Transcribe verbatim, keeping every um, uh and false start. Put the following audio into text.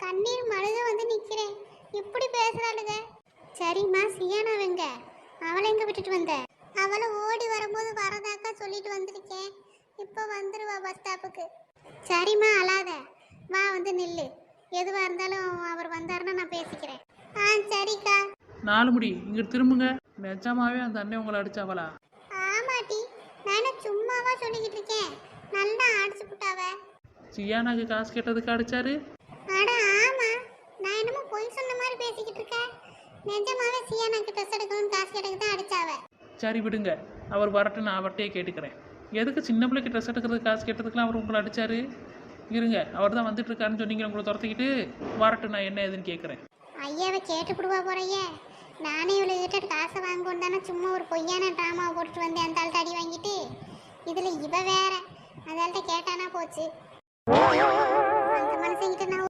கண்ணீர் மழுக வந்து நிக்கிறேன். இப்படி பேசுறாளுங்க. சரிம்மா, சியானாவெங்க? அவளை எங்க விட்டுட்டு வந்த? அவளை ஓடி வரும்போது வரதாக்கா சொல்லிட்டு வந்திருக்கேன். இப்போ வந்துருவா பஸ் ஸ்டாப்புக்கு. சரிம்மா, அழாத. வா, வந்து நில்லு. எதுவா இருந்தாலும் அவர் வந்தாருன்னா நான் பேசிக்கிறேன். ஆ சரிக்கா. நாலு முடி இங்கிட்டு திரும்புங்க. நிஜமாவே அந்த அண்ணன் உங்களை அடிச்சாவளா? ஆமாட்டி, நான் சும்மாவா சொல்லிக்கிட்டு இருக்கேன். நல்லா அடிச்சு புட்டாவ. சியானாக்கு காசு கேட்டதுக்கு அடிச்சாரு? அட ஆமா, நான் என்னமோ பொய் சொன்ன மாதிரி பேசிக்கிட்டு இருக்கேன். நிஜமாவே சியானாக்கு ட்ரெஸ் எடுக்கணும்னு காசு கேட்டதுக்கு தான் அடிச்சாவ. சரி விடுங்க, அவர் வரட்டு, நான் அவர்கிட்டயே கேட்டுக்கிறேன். எதுக்கு சின்ன பிள்ளைக்கு ட்ரெஸ் எடுக்கிறதுக்கு காசு கேட்டதுக்குலாம் அவர் உங்களை அடிச்சாரு? இருங்க, அவர் தான் வந்துட்டு இருக்காருன்னு சொன்னீங்க. உங்களை துரத்திக்கிட்டு வரட்டு, நான் என்ன ஏதுன்னு கேட்குறேன். ஐயாவை கேட்டுப்பிடுவா போறையே. நானே இவ்வளோ கிட்ட காசை வாங்குவோம் தானே சும்மா ஒரு பொய்யான ட்ராமாவை போட்டுட்டு வந்தேன். அந்த ஆள்கிட்ட அடி வாங்கிட்டு இதில் இவ வேற அந்த ஆள்கிட்ட கேட்டானா போச்சு. அந்த மனுஷங்கிட்ட நான்